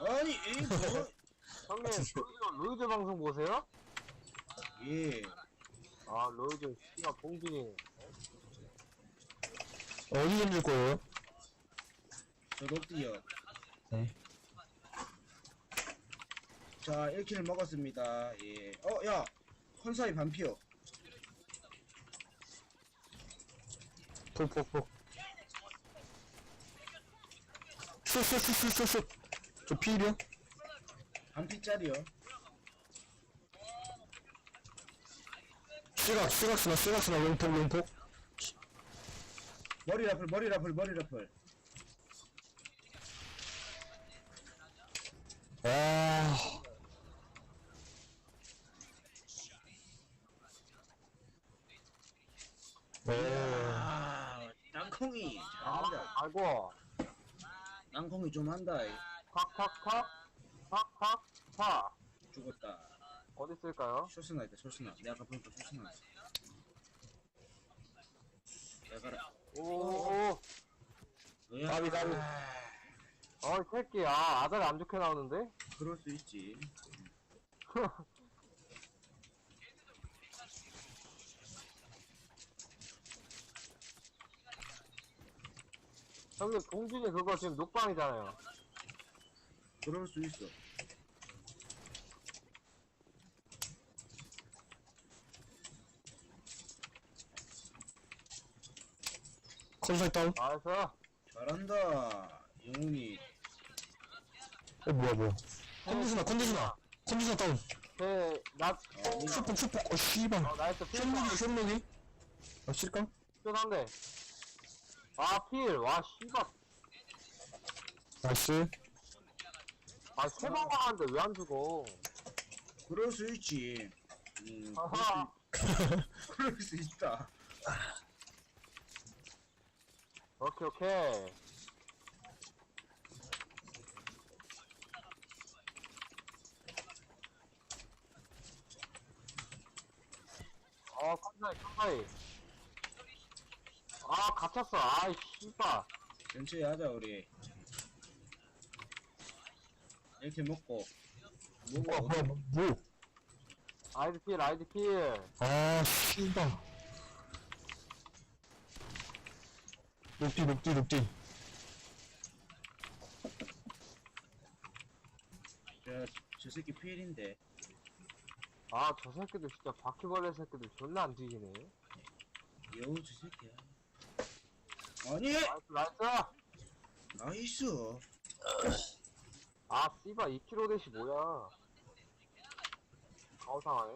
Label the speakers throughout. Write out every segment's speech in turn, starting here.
Speaker 1: 아니, 뭐.
Speaker 2: 형님, 로이드 방송 보세요?
Speaker 1: 예.
Speaker 2: 아, 로이드, 씨가 봉준이.
Speaker 3: 어디 던질 거예요?
Speaker 1: 저도 뛰어.
Speaker 3: 네.
Speaker 1: 자, 1킬을 먹었습니다. 예. 야! 컨사이 반피어.
Speaker 3: 폭폭폭. 슛슛슛슛슛. 저 피일이요?
Speaker 1: 반피짜리요.
Speaker 3: 시각스나 롱폭.
Speaker 1: 머리 라플.
Speaker 3: 아. 네.
Speaker 1: 땅콩이 잘한다.
Speaker 2: 아이고.
Speaker 1: 땅콩이 좀 한다.
Speaker 2: 팍.
Speaker 1: 죽었다.
Speaker 2: 어디 있을까요?
Speaker 1: 쇼스나 있다, 쇼스나. 내가 아까 보니까 쇼스나 있어. 내가라.
Speaker 2: 오.
Speaker 1: 까비.
Speaker 2: 이 새끼, 아다리 안 좋게 나오는데?
Speaker 1: 그럴 수 있지.
Speaker 2: 형님, 봉준이 그거 지금 녹방이잖아요.
Speaker 1: 그럴 수 있어.
Speaker 3: 컨사이 다운?
Speaker 2: 나이스.
Speaker 1: 잘한다. 영훈이.
Speaker 3: 뭐야. 컨디셔너 다운. 슈폭. 씨발.
Speaker 2: 나이스.
Speaker 3: 숏록이? 실까?
Speaker 2: 필한데. 필. 와, 씨발.
Speaker 3: 나이스.
Speaker 2: 세 번 가는데 왜 안 죽어?
Speaker 1: 그럴 수 있지.
Speaker 2: 아하.
Speaker 1: 그럴 수 있다.
Speaker 2: 오케이. 깜짝이. 갇혔어. 아이, 씨발.
Speaker 1: 천천히 하자, 우리. 이렇게 먹고.
Speaker 3: 뭐?
Speaker 2: 아이드 필.
Speaker 3: 아, 씨발. 녹디.
Speaker 1: 저 새끼 필인데.
Speaker 2: 저 새끼들 진짜 바퀴벌레 새끼들 존나 안 뒤지네.
Speaker 1: 여우, 저 새끼야. 아니!
Speaker 2: 나이스.
Speaker 1: 나이스.
Speaker 2: 씨발, 2kg 대시 뭐야. 가오상하네.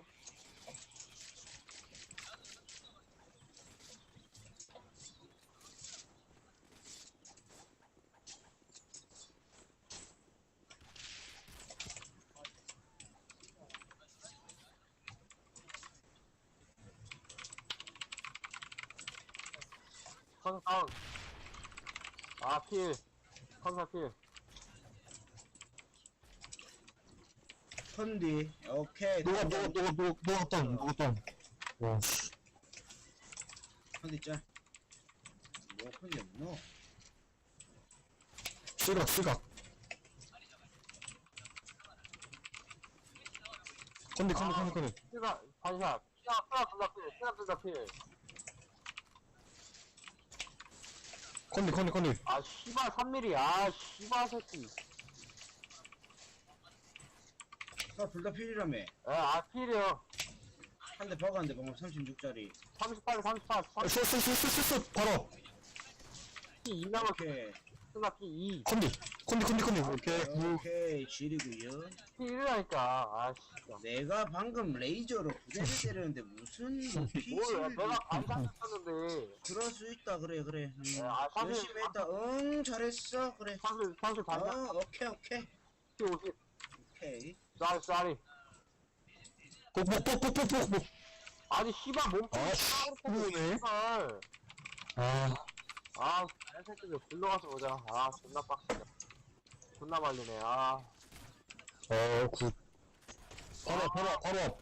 Speaker 2: 컨사 다운. 필. 컨사 필.
Speaker 1: 컨디. 오케이.
Speaker 3: 누가 다운. 와, 씨.
Speaker 1: 컨디 짤. 뭐, 컨디 없노?
Speaker 3: 시각. 컨디.
Speaker 2: 피가, 반샷. 피가 둘다 필.
Speaker 3: 컨디.
Speaker 2: 씨발, 3mm. 씨발, 새끼.
Speaker 1: 둘 다 필이라며.
Speaker 2: 필이요.
Speaker 1: 한 대 박았는데, 방금 36짜리.
Speaker 2: 38.
Speaker 3: 슛. 바로.
Speaker 2: 피 2 남았어.
Speaker 1: 오케이.
Speaker 2: 쓰나 피 2.
Speaker 3: 컨디. 오케이.
Speaker 1: 오케이. 지리구요.
Speaker 2: 피 1이라니까. 진짜.
Speaker 1: 내가 방금 레이저로 부대를 때렸는데, 무슨, 뭐,
Speaker 2: 뭐야,
Speaker 1: 피질.
Speaker 2: 내가 반샷 했었는데.
Speaker 1: 그럴 수 있다. 그래.
Speaker 2: 사실-
Speaker 1: 열심히 했다. 잘했어. 그래.
Speaker 2: 선수 반샷.
Speaker 1: 오케이.
Speaker 2: 피 50.
Speaker 1: 오케이.
Speaker 2: 쌀.
Speaker 3: 폭.
Speaker 2: 아니, 씨발, 몸.
Speaker 3: 뭐네?
Speaker 2: 씨발. 이 새끼들 불러가서 보자. 존나 빡세다. 존나 말리네.
Speaker 3: 굿. 바로 앞.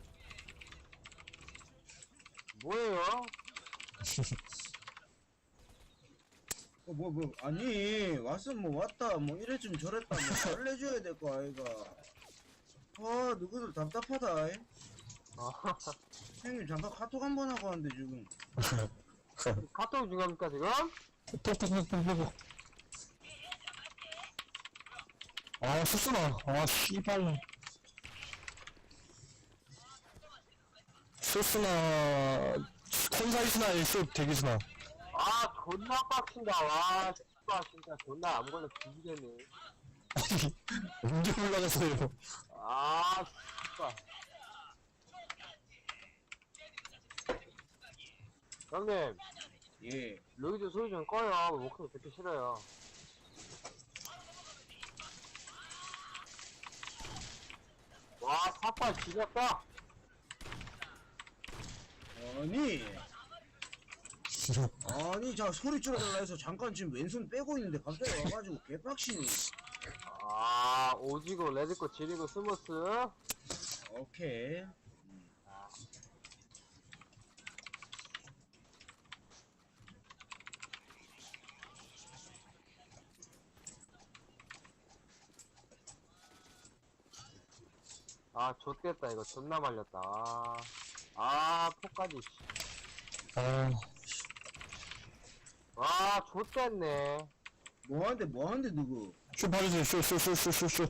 Speaker 2: 뭐예요?
Speaker 1: 아니, 왔으면 뭐 왔다, 뭐 이랬으면 저랬다, 뭐 알려줘야 될 거 아이가. 아, 누구들 답답하다. 이.
Speaker 2: 아,
Speaker 1: 형님, 잠깐 카톡 한 번 하고 왔는데, 지금.
Speaker 2: 카톡 중요합니까, 지금?
Speaker 3: 톡톡톡톡톡. 아, 수순아. 아, 씨발. 수순아. 콘사이스나 일수 대기순아.
Speaker 2: 아, 존나 빡친다. 와, 씨발, 진짜 존나 안 걸려 뒤지겠네.
Speaker 3: 아니, 언제 올라갔어요?
Speaker 2: 아, 씨발. 형님,
Speaker 1: 예.
Speaker 2: 여기도 소리 좀 꺼요. 목소리 듣기 싫어요. 와, 사파 지렸다.
Speaker 1: 아니, 자, 소리 줄여달라 해서 잠깐 지금 왼손 빼고 있는데 갑자기 와가지고 개빡치니.
Speaker 2: 아, 오지고, 레드코, 지리고, 스무스.
Speaker 1: 오케이.
Speaker 2: 아, 좆됐다. 이거 존나 말렸다. 아, 포까지. 씨.
Speaker 3: 아,
Speaker 2: 와, 좆됐네.
Speaker 1: 뭐하는데, 누구?
Speaker 3: 쇼 봐주세요. 쇼.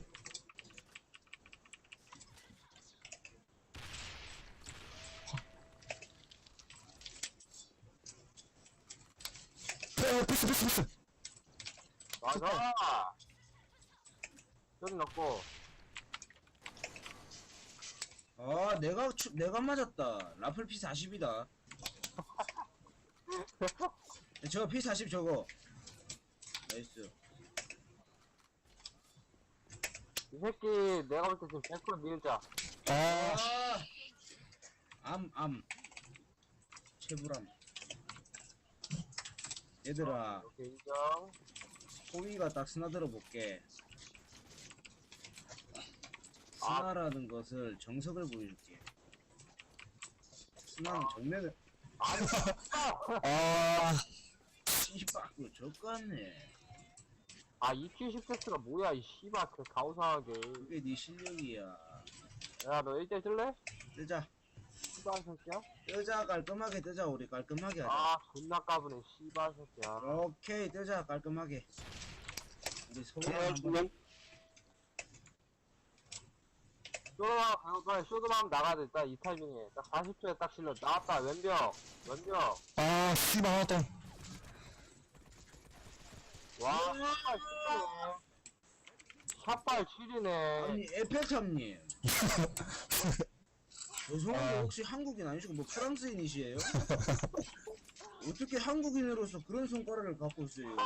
Speaker 3: 패스.
Speaker 2: 맞아. 소리 넣고.
Speaker 1: 아, 내가 맞았다. 라플 P40이다. 저거 P40 저거. 나이스.
Speaker 2: 이 새끼, 내가 볼 때 지금 100% 밀자.
Speaker 3: 아,
Speaker 1: 체불함. 얘들아,
Speaker 2: 오케이, 인정.
Speaker 1: 호위가 딱 스나들어 볼게.
Speaker 2: 아.
Speaker 1: 스나라는 것을 정석을 보여줄게. 스나는 정면을
Speaker 2: 아니,
Speaker 3: 아,
Speaker 1: 씨박으로 젖갔네.
Speaker 2: 아, EQ 시프트가 뭐야, 이 씨발, 그 가오상하게.
Speaker 1: 그게 네 실력이야.
Speaker 2: 야, 너 1대 쓸래?
Speaker 1: 뜨자.
Speaker 2: 씨발 새끼야?
Speaker 1: 뜨자, 깔끔하게 뜨자. 우리 깔끔하게 하자.
Speaker 2: 아, 존나 까부네, 씨발 새끼야.
Speaker 1: 오케이, 뜨자, 깔끔하게. 우리 소개
Speaker 3: 정말
Speaker 1: 한번.
Speaker 2: 쇼도만 하면 나가야 돼. 딱 이 타이밍에. 딱 40초에 딱 실려. 나왔다, 왼벽.
Speaker 3: 아, 씨발 하나다.
Speaker 2: 와, 샷발 7이네. 샷발 7이네.
Speaker 1: 아니, 에펠탑님. 죄송한데 혹시 한국인 아니시고 뭐 프랑스인이시에요? 어떻게 한국인으로서 그런 손가락을 갖고 있어요?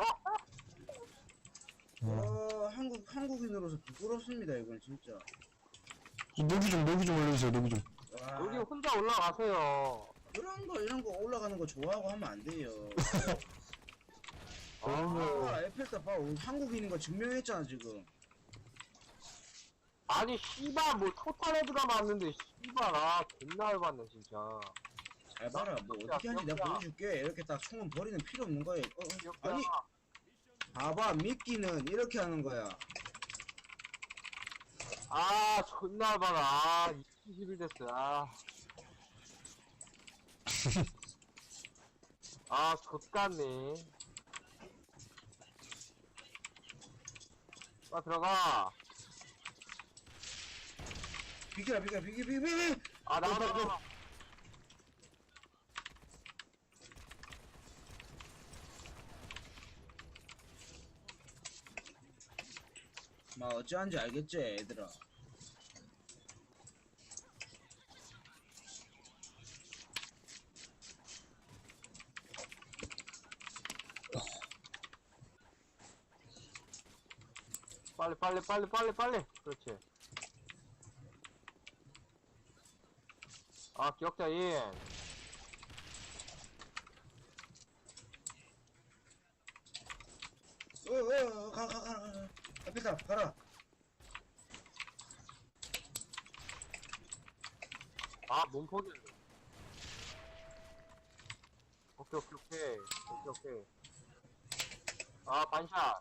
Speaker 1: 한국인으로서 부끄럽습니다, 이건 진짜.
Speaker 3: 녹이 좀 올려주세요, 녹이 좀.
Speaker 1: 와,
Speaker 2: 여기 혼자 올라가세요.
Speaker 1: 이런 거 올라가는 거 좋아하고 하면 안 돼요. 에펠탑 봐. 한국인인 거 증명했잖아, 지금.
Speaker 2: 아니, 씨발, 뭐, 토탈 헤드가 맞는데, 씨발, 아, 존나 열받네, 진짜.
Speaker 1: 잘 봐라, 뭐 어떻게 하는지 내가 보여줄게. 이렇게 딱 총은 버리는 필요 없는 거예요. 아니, 봐봐, 미끼는 이렇게 하는 거야.
Speaker 2: 아, 존나 열받아. 아, 21 됐어, 아. 아, 좆같네. 들어가.
Speaker 1: 비켜라.
Speaker 2: 아, 나가.
Speaker 1: 막 어찌하는지 알겠지, 얘들아.
Speaker 2: 빨리. 그렇지. 아, 기억자인.
Speaker 1: 가. 에펠탑, 가라.
Speaker 2: 아, 몸포기. 오케이. 아, 반샷.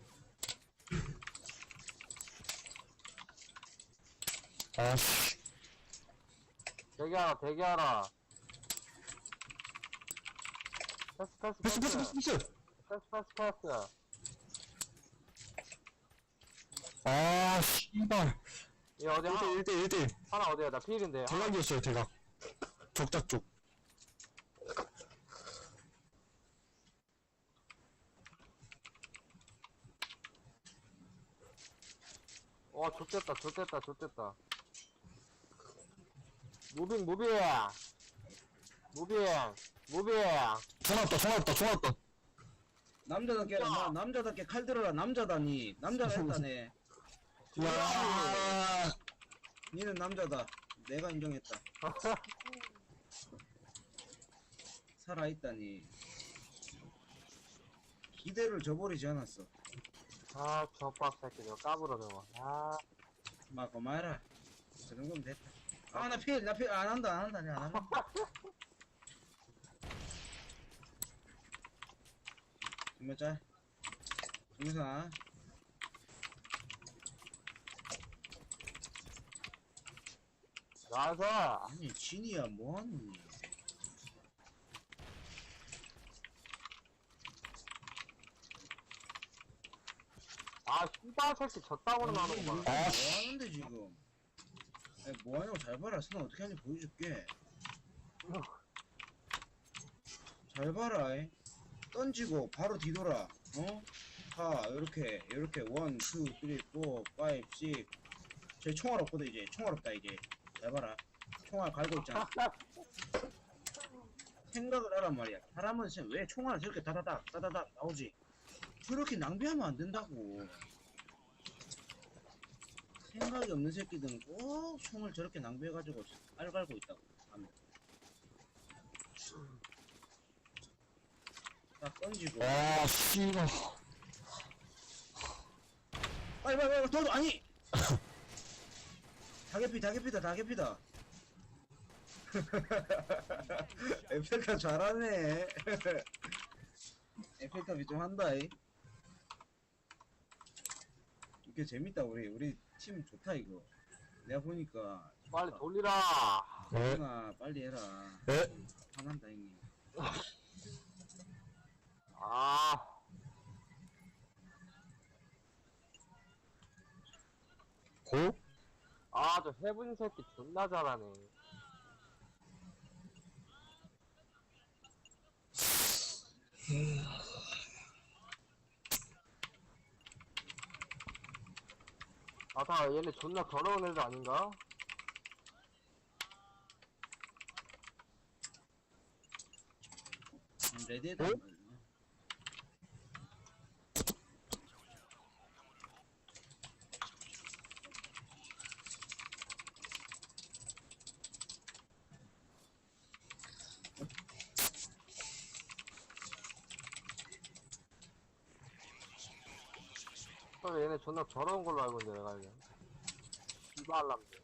Speaker 3: 아씨.
Speaker 2: 대기하라, 대기하라. 패스, 패스,
Speaker 3: 패스,
Speaker 2: 패스.
Speaker 3: 패스, 패스.
Speaker 2: 패스.
Speaker 3: 아, 씨발.
Speaker 2: 얘 어디 하나,
Speaker 3: 1대1, 1대1.
Speaker 2: 하나 어디야? 나 필인데.
Speaker 3: 대각이었어요, 대각. 적작 쪽.
Speaker 2: 좋댔다. 무빙.
Speaker 3: 총 왔다.
Speaker 1: 남자답게 남자답게 칼 들어라. 남자다니. 남자가 했다네.
Speaker 3: 와.
Speaker 1: 니는 남자다. 내가 인정했다. 살아있다니. 기대를 저버리지 않았어.
Speaker 2: 아, 저빡 새끼, 저거 까불어, 저거. 아,
Speaker 1: 막 고마해라. 저 정도면 됐다. 아, 나 필 안 한다. 안 한다. 몇 짤? 중사.
Speaker 2: 나서.
Speaker 1: 아니, 진이야, 뭐하니?
Speaker 2: 아, 씨발 새끼, 졌다고는 하는구만.
Speaker 1: 뭐하는데, 지금? 아니, 뭐하냐고 잘 봐라. 선아 어떻게 하는지 보여줄게. 잘 봐라. 이. 던지고 바로 뒤돌아. 어? 가 이렇게 1, 2, 3, 4, 5, 6. 제 총알 없거든 이제. 총알 없다 이제. 잘 봐라. 총알 갈고 있잖아. 생각을 하란 말이야. 사람은 지금 왜 총알을 저렇게 다다닥 나오지? 저렇게 낭비하면 안 된다고. 생각이 없는 새끼들은 꼭 총을 저렇게 낭비해가지고 알 갈고 있다고. 하면. 딱 던지고.
Speaker 3: 아, 씨발.
Speaker 1: 빨리 도도 아니. 다개피다. 에펠탑 잘하네. 에펠탑이 좀 한다이. 이게 재밌다. 우리 팀 좋다 이거. 내가 보니까
Speaker 2: 빨리 돌리라.
Speaker 3: 네.
Speaker 1: 나 빨리 해라.
Speaker 3: 네.
Speaker 1: 화난다 형님.
Speaker 2: 아,
Speaker 3: 고?
Speaker 2: 아, 저 해분 새끼 존나 잘하네. 아, 다 얘네 존나 더러운 애들 아닌가?
Speaker 1: 레드에다.
Speaker 3: 어?
Speaker 2: 얘네 존나 더러운 걸로 알고 있는데 내가 알기엔. 씨발람들.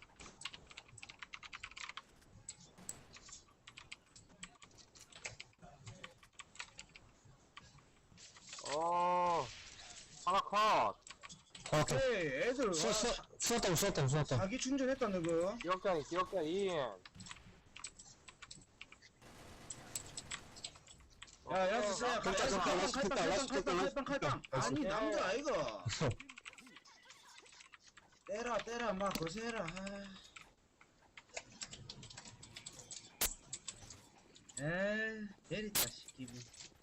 Speaker 2: 하나 컷.
Speaker 3: 정확해.
Speaker 1: 에이 애들
Speaker 3: 쏘았다.
Speaker 1: 자기 충전했다 너그.
Speaker 2: 기억자니 2인.
Speaker 1: 야 야스야
Speaker 3: 됐다.
Speaker 1: 칼빵. 아니
Speaker 2: 오케이.
Speaker 1: 남자 아이가. 때라 막 거세라. 에이 때리다 씨 기분.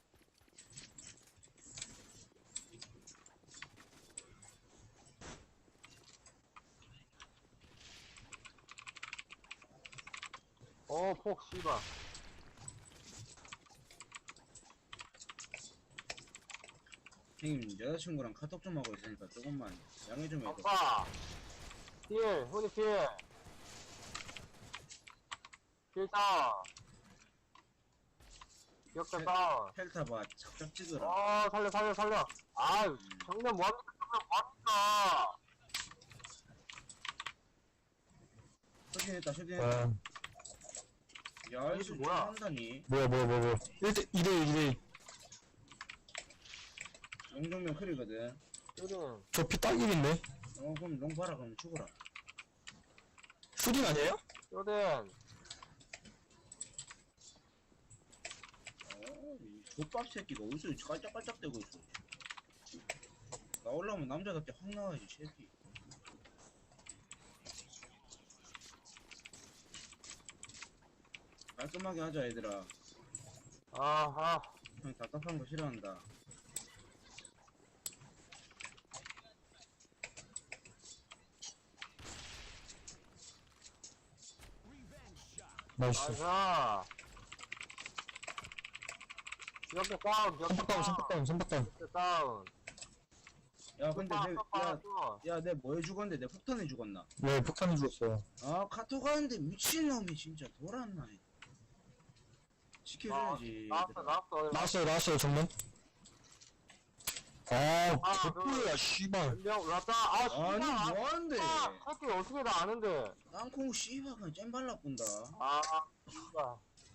Speaker 2: 폭 씨발.
Speaker 1: 형님 여자친구랑 카톡 좀 하고 있으니까 조금만 양해 좀 해줘.
Speaker 2: 아빠. 훈이 필 다운. 기억자 다운.
Speaker 1: 펠타봐 착착 찍어라.
Speaker 2: 살려. 아유, 정면 뭐합니까?
Speaker 1: 쇼딩했다.
Speaker 3: 아,
Speaker 1: 야
Speaker 2: 이게
Speaker 1: 이거
Speaker 2: 뭐야?
Speaker 1: 한다니.
Speaker 3: 뭐야. 2대1.
Speaker 1: 용정면 크리거든.
Speaker 2: 슈딩.
Speaker 3: 저 피 딱 1인데?
Speaker 1: 그럼 롱 봐라. 그럼 죽어라.
Speaker 3: 슈딩 아니에요?
Speaker 2: 슈딩.
Speaker 1: 이 족밥 새끼가 어디서 깔짝깔짝대고 있어. 나오려면 남자답게 확 나와야지, 새끼. 깔끔하게 하자, 얘들아.
Speaker 2: 아하.
Speaker 1: 형 답답한 거 싫어한다.
Speaker 3: 나이스.
Speaker 2: 나이스. 옆에 다운, 옆에
Speaker 3: 선박다운, 선박다운, 선박다운.
Speaker 2: 옆에 다운.
Speaker 1: 야, 근데 내,
Speaker 2: 야,
Speaker 1: 야, 내 뭐에 죽었는데? 내 폭탄에 죽었나?
Speaker 3: 네, 폭탄이 죽었어요.
Speaker 1: 아, 카톡 하는데 미친놈이 진짜 돌았나. 지켜줘야지.
Speaker 2: 나왔어,
Speaker 1: 얘들아.
Speaker 2: 나왔어.
Speaker 3: 나왔어요, 나왔어요, 정면. 개뿔이야, 씨발.
Speaker 2: 연병 올랐다. 아, 씨발.
Speaker 1: 아니, 뭐하는데?
Speaker 2: 아, 새끼 어떻게 다 아는데.
Speaker 1: 땅콩 씨발 그냥 잼 발라뿐다.
Speaker 2: 아, 씨발.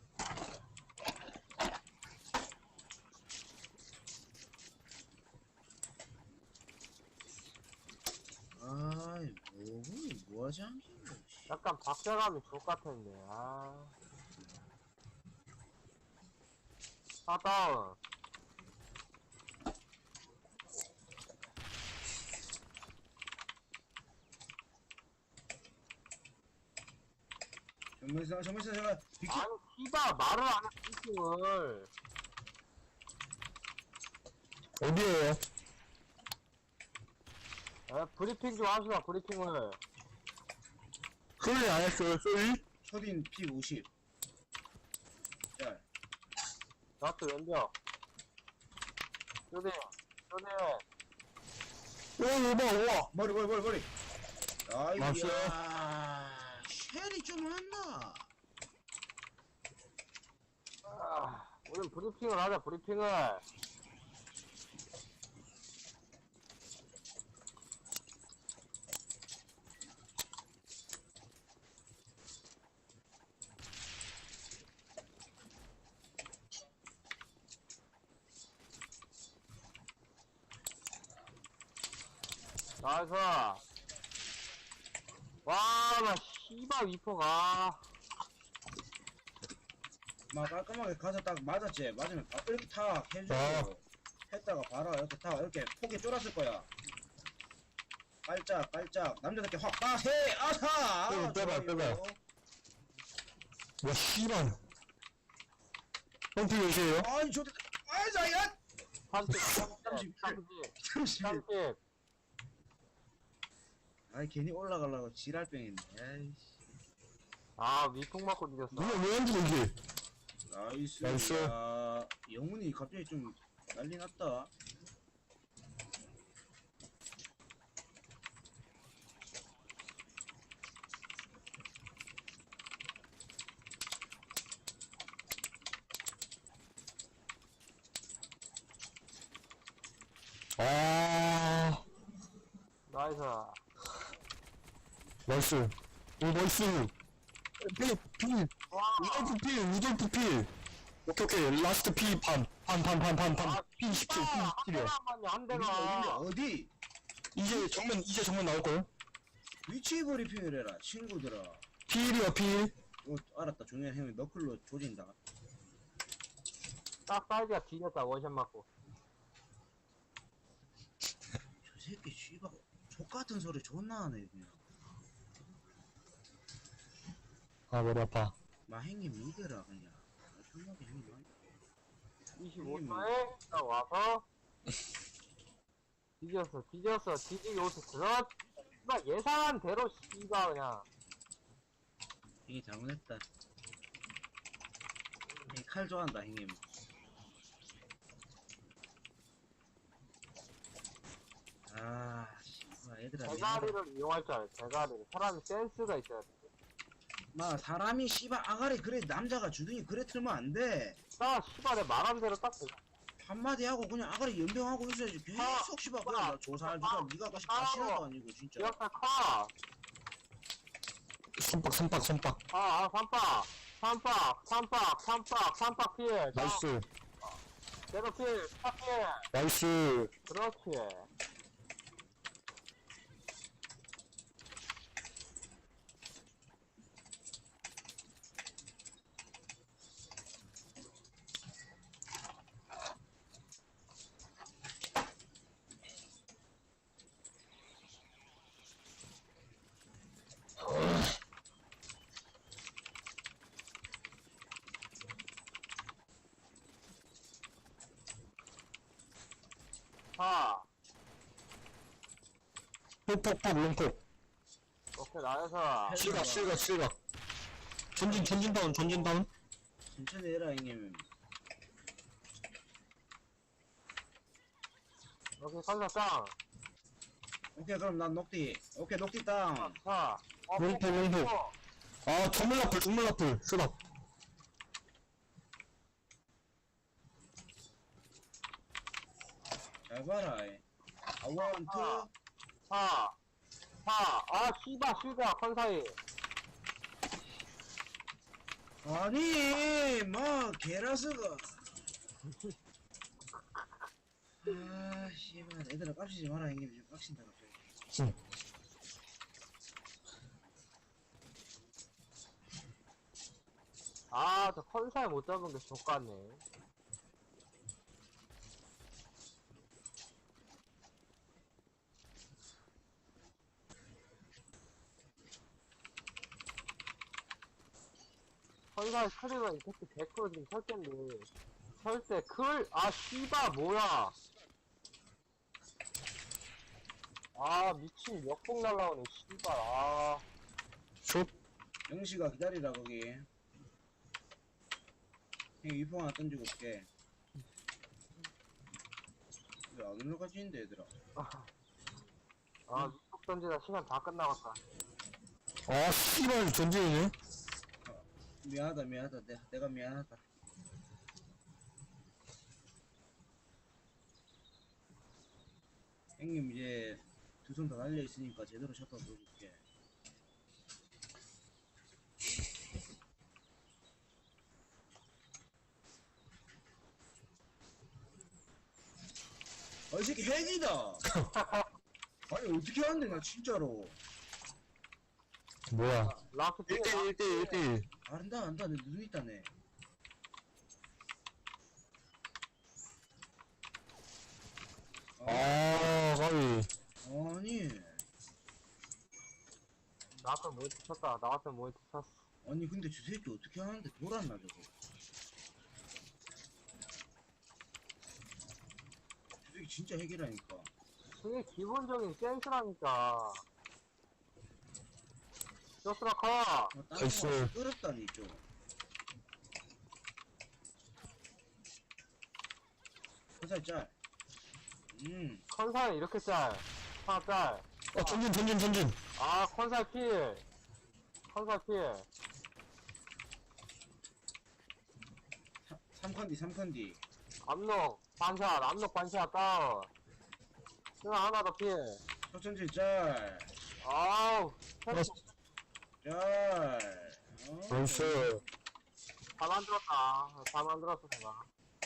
Speaker 1: 아이, 뭐하지 않겠네.
Speaker 2: 약간 박자감이 족같은데, 아. 아, 다운.
Speaker 1: 정면서 제가 비키.
Speaker 2: 아니, 씨발, 말을 안 해, 브리핑을.
Speaker 3: 어디에요?
Speaker 2: 에, 브리핑 좀 합시다, 브리핑을.
Speaker 3: 소리 안 했어요, 소리?
Speaker 1: 초딘 P50. 야,
Speaker 2: 나또 연병. 슈딩, 슈딩.
Speaker 3: 우와.
Speaker 1: 머리.
Speaker 3: 맞았어요.
Speaker 1: 아이야, 쉘이 좀 한다.
Speaker 2: 아, 우린 브리핑을 하자, 브리핑을. 나이스. 와, 나 씨발 위퍼가.
Speaker 1: 막 깔끔하게 가서 딱 맞았지. 맞으면 이렇게 탁 해주고 했다가 바로 이렇게 탁 이렇게 폭에 쫄았을 거야. 깔짝 남자답게 확 빠세 아사.
Speaker 3: 응, 빼봐. 와, 씨발. pom피 몇이에요?
Speaker 1: 아니 저도 아자야
Speaker 2: 30.
Speaker 1: 30.
Speaker 2: 30.
Speaker 1: 아이 괜히 올라가려고 지랄병했네. 아이씨.
Speaker 2: 아, 위풍 맞고 이겼어.
Speaker 3: 왜 안 죽어, 이게?
Speaker 1: 나이스. 야, 영훈이 갑자기 좀 난리 났다.
Speaker 3: 아,
Speaker 2: 나이스.
Speaker 3: 나이스. 오, 나이스. 피.
Speaker 2: 와,
Speaker 3: 루돌프 피. 오케이. 라스트 피 반. 피 17, 피 17이야.
Speaker 2: 한
Speaker 1: 어딘데
Speaker 2: 대가.
Speaker 1: 어디?
Speaker 3: 이제 정면 나올걸?
Speaker 1: 위치 브리핑을 해라 친구들아.
Speaker 3: 피 1이야, 피 1.
Speaker 1: 알았다. 종현 형이 너클로 조진다.
Speaker 2: 딱 사이즈가 뒤졌다, 원샷 맞고.
Speaker 1: 저 새끼 씨발 족같은 소리 존나 하네 그냥.
Speaker 3: 아, 머리 아파.
Speaker 1: 마행님 믿으라 그냥. 편하게 형님
Speaker 2: 25초에 딱 와서. 뒤졌어. 뒤지기 오스 들어. 씨발, 예상한 대로 씨발, 그냥.
Speaker 1: 형이 잘못했다. 형이 칼 좋아한다 형님. 아 씨발 얘들아
Speaker 2: 대가리를 이용할 줄 알아, 대가리를. 사람이 센스가 있어야 돼.
Speaker 1: 마 사람이 씨발 아가리 그래 남자가 주둥이 그래 틀면 안돼.
Speaker 2: 나 씨발, 내 말한 대로 딱 돼.
Speaker 1: 한마디 하고 그냥 아가리 연병하고 있어야지. 계속 씨발 그냥 나 조살 니가 다시 가시나도 아니고 진짜.
Speaker 2: 기억사 커.
Speaker 3: 선박.
Speaker 2: 삼박 피해.
Speaker 3: 나이스.
Speaker 2: 제로필, 스타필.
Speaker 3: 나이스.
Speaker 2: 그렇지. 하.
Speaker 3: 폭폭폭 롱폭.
Speaker 2: 오케이, 나에서.
Speaker 3: 실각. 전진 다운.
Speaker 1: 천천히 해라 형님.
Speaker 2: 오케이, 선사 짱.
Speaker 1: 오케이 그럼 난 녹디. 오케이 녹디 땅.
Speaker 2: 자.
Speaker 3: 롱폭. 아, 전물 라플. 쓰다.
Speaker 1: 잘 봐라. 아, 원, 투.
Speaker 2: 하. 씨바, 컨사이.
Speaker 1: 아니, 뭐, 게라스가. 아, 씨발. 애들아, 깝치지 마라, 형님. 지금 깝친다, 갑자기.
Speaker 3: 응.
Speaker 2: 저 컨사이 못 잡은 게 족같네. 컨사이 크리가 이펙트 100% 지금 설텐데. 설때 씨바, 뭐야. 미친 역폭 날라오네, 씨발,
Speaker 3: 숏.
Speaker 1: 영시가 기다리라, 거기. 형, 위풍 하나 던지고 올게. 왜 안 올라가지, 있는데, 얘들아.
Speaker 2: 미폭 던지다 시간 다 끝나갔다.
Speaker 3: 아, 씨발, 전진이네.
Speaker 1: 미안하다. 내가 미안하다. 형님, 이제, 두 손 다 달려있으니까 제대로 샷다 보여줄게. 이 새끼 핵이다! 아니, 어떻게 하는데, 나 진짜로.
Speaker 3: 뭐야.
Speaker 2: 라스
Speaker 3: 1대1.
Speaker 1: 안다, 내 눈 있다네.
Speaker 3: 가위.
Speaker 1: 아니,
Speaker 2: 나한테 모이트 쳤다. 나한테 모이트 쳤어.
Speaker 1: 아니, 근데 저 새끼 어떻게 하는데, 돌았나, 저거. 저 새끼 진짜 핵이라니까.
Speaker 2: 그게 기본적인 센스라니까. 쇼스라 커.
Speaker 3: 나이스.
Speaker 1: 끄럽다니, 좀. 회사 짤.
Speaker 2: 컨사이 이렇게 짤. 하나 짤.
Speaker 3: 전진.
Speaker 2: 컨사이 필. 컨사이 필.
Speaker 1: 3컨디.
Speaker 2: 압록 반샷 다운. 하나 더 필.
Speaker 1: 초천지 짤.
Speaker 2: 아우.
Speaker 1: 짤.
Speaker 3: 나이스.
Speaker 2: 다 만들었어, 제가.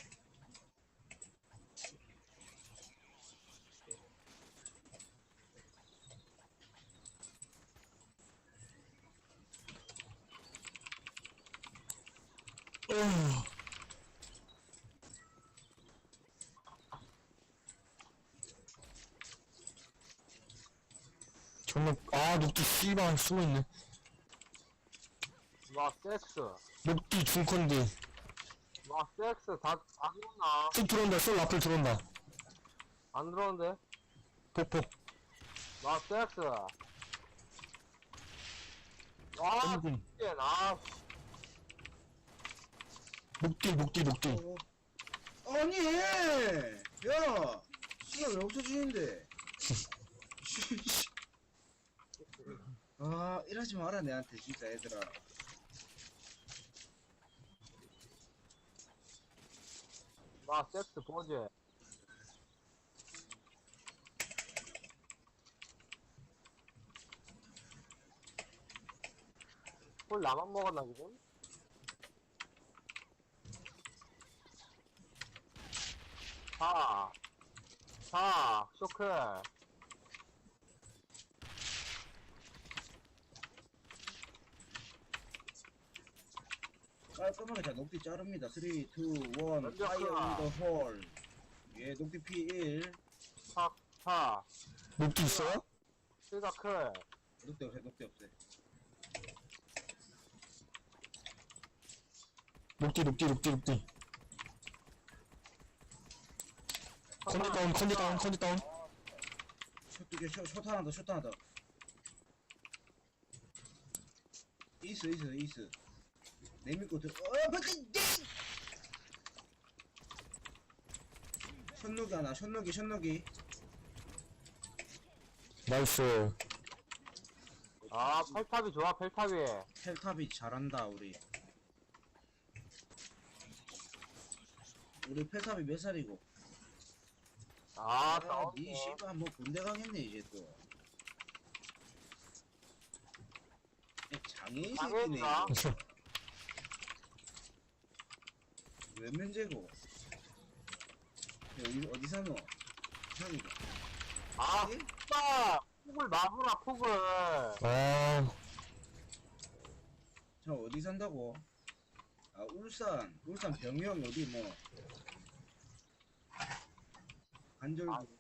Speaker 3: 정말, 녹디 씨발 숨어있네.
Speaker 2: 섹스.
Speaker 3: 녹디 중컨디.
Speaker 2: 섹스. 다 들어오나?
Speaker 3: 쑥 들어온다, 쏠 라플 들어온다.
Speaker 2: 안 들어오는데?
Speaker 3: 폭폭.
Speaker 2: 섹스.
Speaker 3: 전진. 녹디.
Speaker 1: 아니! 야! 시간 왜 없어지는데? 이러지 마라, 내한테, 진짜, 얘들아.
Speaker 2: 섹스 보지. 홀 나만 먹었나, 지금? 쇼크.
Speaker 1: 깔끔하게 자 녹디 자릅니다. 3, 2, 1,
Speaker 2: 먼저
Speaker 1: 파이어
Speaker 2: 크라.
Speaker 1: 인더 홀. 예, 녹디 P1.
Speaker 2: 파.
Speaker 3: 녹디 있어요?
Speaker 2: 실각 클.
Speaker 1: 녹디 없애, 녹디 없애.
Speaker 3: 녹디. 컨디 다운.
Speaker 1: 숏 하나 더. 이스. 내밀고 들, 밖에, 션노기 하나, 션노기.
Speaker 3: 나이스.
Speaker 2: 아, 펠탑이 좋아, 펠탑이.
Speaker 1: 텔탑이 잘한다, 우리 펠탑이 몇 살이고? 니 씨발 뭐 군대 가겠네 이제 또. 장애인 새끼네.
Speaker 2: 장애인이다.
Speaker 1: 몇 면제고? 어디 사노? 저기가.
Speaker 2: 아,
Speaker 1: 예?
Speaker 2: 진짜! 폭을 마구나, 폭을.
Speaker 3: 아,
Speaker 1: 저 어디 산다고? 아 울산 병영 어디 뭐 관절구.
Speaker 2: 아.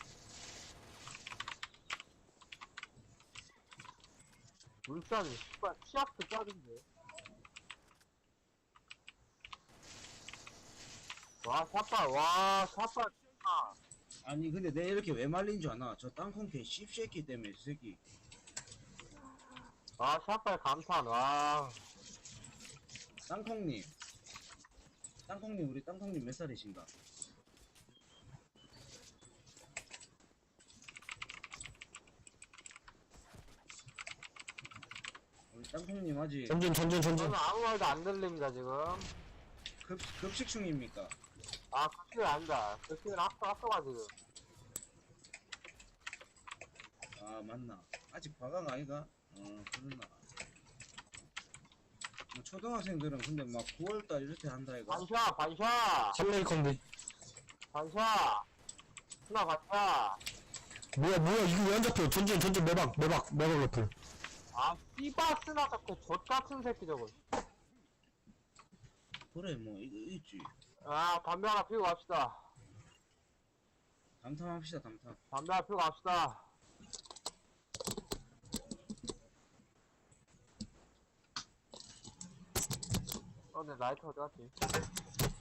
Speaker 2: 울산, 씨발, 치약도 짜는데. 와, 샷발, 진짜.
Speaker 1: 아니 근데 내 이렇게 왜 말린 줄 아나? 저 땅콩 개 씹새끼 때문에 이 새끼.
Speaker 2: 아, 샷발 감탄, 와.
Speaker 1: 땅콩님 우리 땅콩님 몇 살이신가? 우리 땅콩님 아직
Speaker 3: 전진.
Speaker 2: 저는 아무 말도 안 들립니다, 지금.
Speaker 1: 급식 중입니까?
Speaker 2: 아, 급식은 아니다. 급식은 앞서가, 지금.
Speaker 1: 아 맞나? 아직 과각 아이가? 그러나. 뭐 초등학생들은 근데 막 9월달 이렇게 한다 이거.
Speaker 2: 반샷!
Speaker 3: 3레이 컨디.
Speaker 2: 반샷! 하나 반샷!
Speaker 3: 뭐야, 이거 왜 안 잡혀? 전진, 매박 러플.
Speaker 2: 아, 씨바스나 자꾸 젖같은 새끼 저거.
Speaker 1: 그래 뭐 이거 있지.
Speaker 2: 아, 담배 하나 피우고 갑시다.
Speaker 1: 담탐합시다 담탐.
Speaker 2: 담배 하나 피우고 갑시다. 근데 라이터 어디 갔지?